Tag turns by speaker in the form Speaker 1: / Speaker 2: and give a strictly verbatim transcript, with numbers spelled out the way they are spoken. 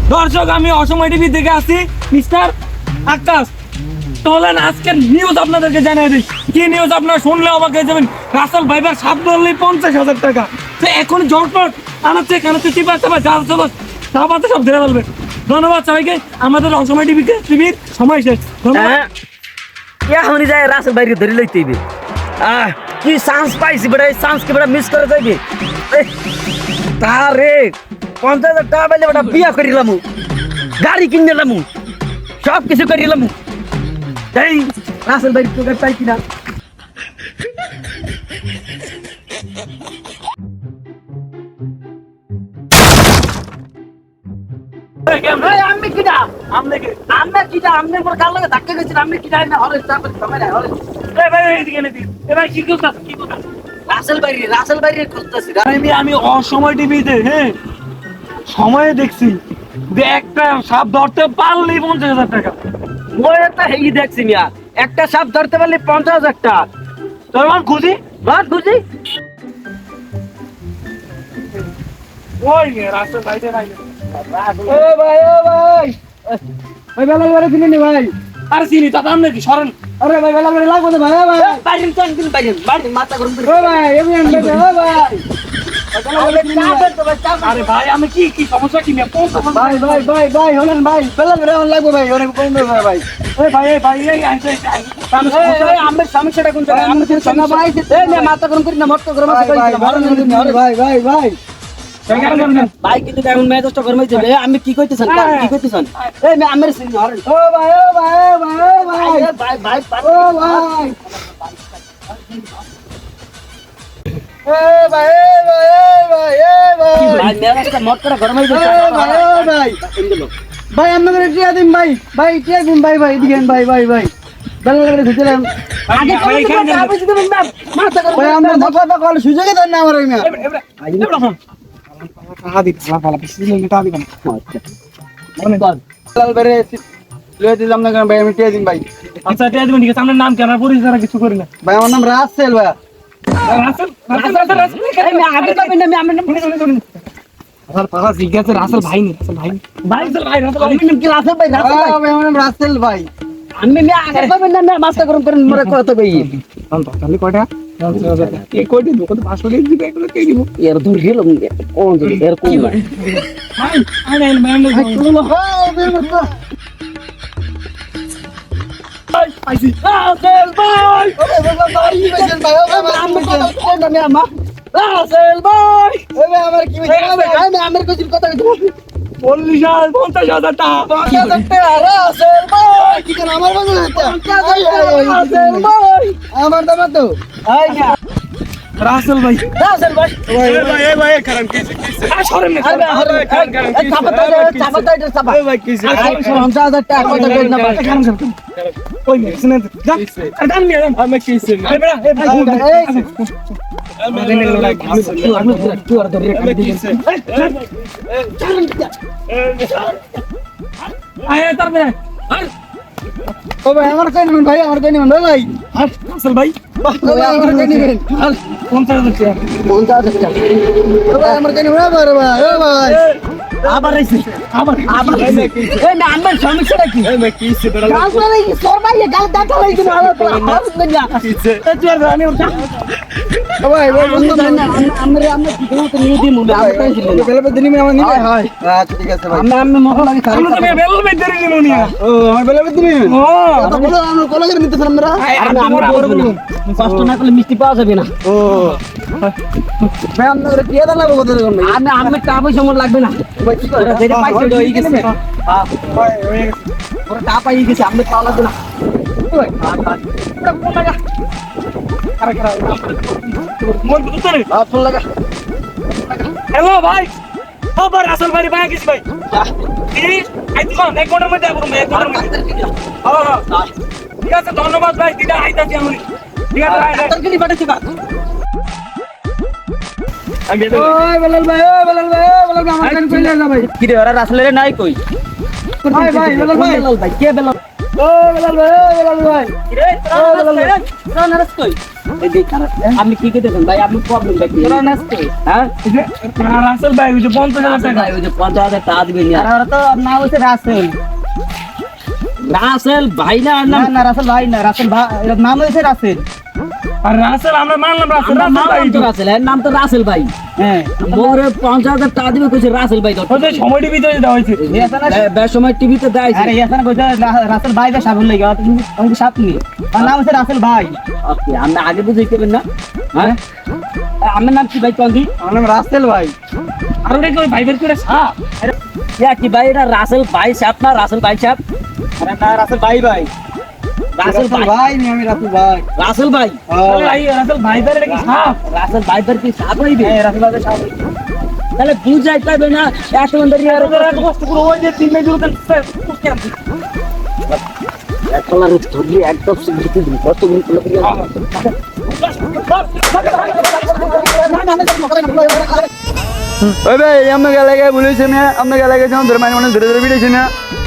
Speaker 1: দর্শক আমি অসময় টিভি থেকে আসি মিস্টার আকাশ। তাহলে আজকের নিউজ আপনাদেরকে জানিয়ে দিই। কি নিউজ আপনারা শুনলে আমাকে যাবেন। রাসেল ভাইবার সাত ধরলেই পঞ্চাশ হাজার টাকা। তো এখন জটপট আনাচ্ছে কেন তুই চিপা চাপা যা সব সাবাতে সব ধরে ফেলবে। ধন্যবাদ সবাইকে। আমাদের অসময় টিভিকে টিভির সময় শেষ। ধন্যবাদ।
Speaker 2: এখনই যায় রাসেল ভাইকে ধরে লইতে হইবে। আহ কি চান্স পাইছি বেটা, এই চান্সকে বেটা মিস করে যাইবে। তারে পঞ্চাশ হাজার টাকা পাইলে বেটা বিয়া করিলাম, গাড়ি কিনলাম, সব কিছু করিলাম। এই রাসেল ভাই তোকে পাই কিনা আমি কিনা আমি আমি কিনা আমি পর কাল লাগে ধাক্কা গেছি। আমি কিনা না হলে তারপর সময় না হলে
Speaker 1: এই ভাই এইদিকে নে দি। এই ভাই কি করছস কি করছস?
Speaker 2: রাসেল ভাই রাসেল ভাই খুঁজতেছি।
Speaker 1: আমি আমি অসময় টিভিতে হ্যাঁ সময়ে দেখছি যে একটা সাপ ধরতে পারলেই পঞ্চাশ হাজার টাকা।
Speaker 2: ওই একটা হেই দেখছি মিয়া, একটা সাপ ধরতে পারলে পঞ্চাশ হাজার টাকা।
Speaker 1: তোর মান খুঁজি
Speaker 2: বাদ বুঝি
Speaker 1: ওই রাস্তা বাইরে নাই।
Speaker 2: ও ভাই ও ভাই
Speaker 1: ভাই বেলা বেলা দিলেন ভাই। আর চিনি তা দাম নাকি সরেন।
Speaker 2: আরে ভাই বেলা বেলা লাগবে না ভাই। ও ভাই বাইরেন তো একদিন বাইরেন বাইরেন মাথা গরম করে। ও ভাই এমনি আনবে ও ভাই।
Speaker 1: আরে ভাই আমি কি কি সমস্যা কি নিয়ে কোন
Speaker 2: ভাই ভাই ভাই ভাই হলেন ভাই বেলা বেলা লাগবে ভাই অনেক কম দেবে ভাই।
Speaker 1: এই ভাই এই ভাই এই আইছে
Speaker 2: আমি সমস্যাটা কোন জায়গায় আমি সমস্যা ভাই এই নে মাথা গরম করি না মত গরম আছে ভাই ভাই ভাই ভাই কিন্তু এখন মেজাজটা গরম হইছে। আমি কি কইতেছেন কি কইতেছেন? এই মে আমের সিন হরেন। ও ভাই ও ভাই ও ভাই ও ভাই ভাই ভাই ও ভাই এ ভাই এ ভাই এ ভাই এ ভাই ভাই মেজাজটা মত করে গরম হইছে। ভাই ও ভাই ভাই আমাদের টিয়া দিন ভাই ভাই টিয়া দিন ভাই ভাই দিবেন ভাই ভাই ভাই বেলা বেলা ঘুরছিলাম আগে কই দিবেন আপনি দিবেন না মাথা গরম ভাই আমরা কথা কথা কল সুযোগে দেন না আমার এই মিয়া
Speaker 1: টাকা দিতে ফালা ফালা বেশি দিলে টাকা দিবেন।
Speaker 2: মানে কল লাল বেরে লয়ে দিলাম না ভাই আমি টিয়া দিন ভাই।
Speaker 1: আচ্ছা টাকা দিবেন ঠিক আছে। আপনার নাম কি? আমার পরিচয় কিছু করি না
Speaker 2: ভাই আমার নাম রাসেল ভাই।
Speaker 1: রাসেল রাসেল রাসেল
Speaker 2: আমি আগে কবেন না আমি আমার নাম
Speaker 1: রাসেল পাগা জিজ্ঞাসা রাসেল ভাই নি রাসেল ভাই ভাই রাসেল ভাই রাসেল
Speaker 2: আমি নাম কি রাসেল ভাই রাসেল ভাই ভাই আমার নাম রাসেল ভাই। আমি আমি আগে কবেন না মাথা গরম করেন মরে কত ভাই
Speaker 1: তাহলে কয়টা কে কোটি দোকান পাঁচশো টাকা দিবে এগুলো কে দিব
Speaker 2: এর দূর গেল কোন দূর এর কোন
Speaker 1: ভাই আই নাই ম্যাম ভাই আইছি রাসেল ভাই
Speaker 2: রাসেল ভাই আমি কোন নামে আমা রাসেল ভাই ওই আমার কি ভাই আমি আমার কিছু কথা কইতে
Speaker 1: চল্লিশ হাজার পঞ্চাশ হাজার টাকা
Speaker 2: পঞ্চাশ হাজার টাকা রাসেল ভাই কি কেন আমার বাজে পঞ্চাশ হাজার টাকা রাসেল ভাই আমার দাম তো আই না
Speaker 1: রাসেল ভাই
Speaker 2: রাসেল ভাই
Speaker 1: এই ভাই এই ভাই কারণ কি কি আ সরেন না
Speaker 2: আরে আরে কারণ কারণ চাপা চাপা চাপা চাপা
Speaker 1: এই ভাই কি
Speaker 2: পঞ্চাশ হাজার টাকা কথা কই না
Speaker 1: কারণ ওই না শুনেন যা আরে দাম নিয়ে আমি কি শুন আরে বড়া এই ভাই তারপরে
Speaker 2: ও ভাই আমার কই নিবেন ভাই আমার কই নিবেন ভাই
Speaker 1: রাসেল ভাই
Speaker 2: আমার কই নিবেন
Speaker 1: পঞ্চাশ হাজার টাকা
Speaker 2: পঞ্চাশ হাজার টাকা ও ভাই আমার কই নিবেন ভাই ভাই ও ভাই
Speaker 1: আবার আইছে আবার
Speaker 2: আবার এই না আমার সমস্যাটা কি
Speaker 1: এই ভাই কি সে বড়
Speaker 2: গাল মারাই সরবাই গাল দাঁত লাগি না আমার হাত না
Speaker 1: কিছে তুই আর জানি ওটা
Speaker 2: ও ভাই ভাই বন্ধু না আমরা আমরা কি করব তো নিয়ে দিমু আমরা তাই ছিল বেলা দিন আমি আমার নিবে হয় আচ্ছা ঠিক আছে ভাই আমরা আমরা মহল লাগে
Speaker 1: আমরা তো বেল বেদরে নিমু নিয়া
Speaker 2: ও আমার বেলা দিন
Speaker 1: ও
Speaker 2: তো বলো আমরা কল করে নিতে আমরা আমরা আমরা করব কষ্ট না করলে মিষ্টি পাওয়া যাবে না ও ভাই আমরা কি দাও লাগবে কত রকম আমি আমি টাকা পয়সা মন লাগবে না ভাই কি করে যেটা পাইছে হই গেছে হ্যাঁ ভাই হয়ে গেছে ওরা টাকা পাই গেছে আমরা পাওয়া লাগবে না ভাই কোন লাগা আরে করা
Speaker 1: মন বুঝতে
Speaker 2: হ্যাঁ ফোন লাগা
Speaker 1: হ্যালো ভাই খবর রাসেল ভাই ভাই কিছু ভাই এই আই তো এক ঘন্টার মধ্যে আসবো এক ঘন্টার মধ্যে হ্যাঁ হ্যাঁ ঠিক আছে ধন্যবাদ ভাই দিদা আইতাছি আমি ঠিক আছে ভাই
Speaker 2: ডাক্তার কে পাঠাচ্ছি বা
Speaker 1: আমি বেদরে
Speaker 2: ওই বেলাল ভাই ওই বেলাল ভাই ওই বেলাল ভাই আমার কাছে কইলে না ভাই কি রে ওরা রাসেলের নাই কই ভাই ভাই বেলাল ভাই বেলাল ভাই কে বেলাল ও বেলাল ভাই ও বেলাল ভাই
Speaker 1: রে তোরা নাচ কই
Speaker 2: এই দেখ আপনি কি কইতেছেন ভাই আপনি প্রবলেমটা কি
Speaker 1: তোরা নাচ কই
Speaker 2: হ্যাঁ
Speaker 1: এই যে রাসেল ভাই ওই যে পঞ্চাশ হাজার টাকা
Speaker 2: ওই যে পঞ্চাশ হাজার টাকা দিবেন আর ওরা তো নাম হচ্ছে রাসেল রাসেল ভাই না না না রাসেল ভাই না রাসেল ভাই এর নাম হচ্ছে রাসেল
Speaker 1: আর রাসেল আমরা মানলাম রাসেল
Speaker 2: আমার
Speaker 1: রাসেল ভাই
Speaker 2: নাম তো রাসেল এর নাম তো রাসেল ভাই হ্যাঁ মোরে পঞ্চাশ হাজার টাকা দিবে কইছে রাসেল ভাই
Speaker 1: ওই যে সময় টিভিতে দেওয়া হয়েছে
Speaker 2: বেশ সময় টিভিতে দেয় আরে এখানে কইছে রাসেল ভাই বা সাবুল লাগা তুমি তুমি সাপ নি তার নাম হচ্ছে রাসেল ভাই ওকে আমরা আগে বুঝাইতেবেন না হ্যাঁ আমার নাম কি ভাই কন্দি আমার নাম রাসেল ভাই
Speaker 1: আর ওটা কি ওই ভাইবের করে সাপ
Speaker 2: ইয়া কি ভাই এটা রাসেল ভাই সাপ না রাসেল ভাই সাপ আরে না রাসেল ভাই ভাই রাসেল ভাই নি আমি রাসেল ভাই রাসেল ভাই
Speaker 1: আরে ভাই রাসেল ভাইবের এটা কি সাপ
Speaker 2: রাসেল ভাই বার কি সাপ হইবে হ্যাঁ রাসেল ভাই সাপ হইবে তাহলে বুঝাই পাবে না এত মন্দির
Speaker 1: আর ওরা এত কষ্ট করে ওই যে তিন মেজুর কুস্তি আনছে
Speaker 2: এক কলার ধরি একদম সিগনিফিকেন্ট দিন কত গুণ করে
Speaker 3: ওই ভাই আমরা গেলে বলেছি না আমরা গেলে গেছিলাম ধরে মানে ধরে ধরে বিড়েছি না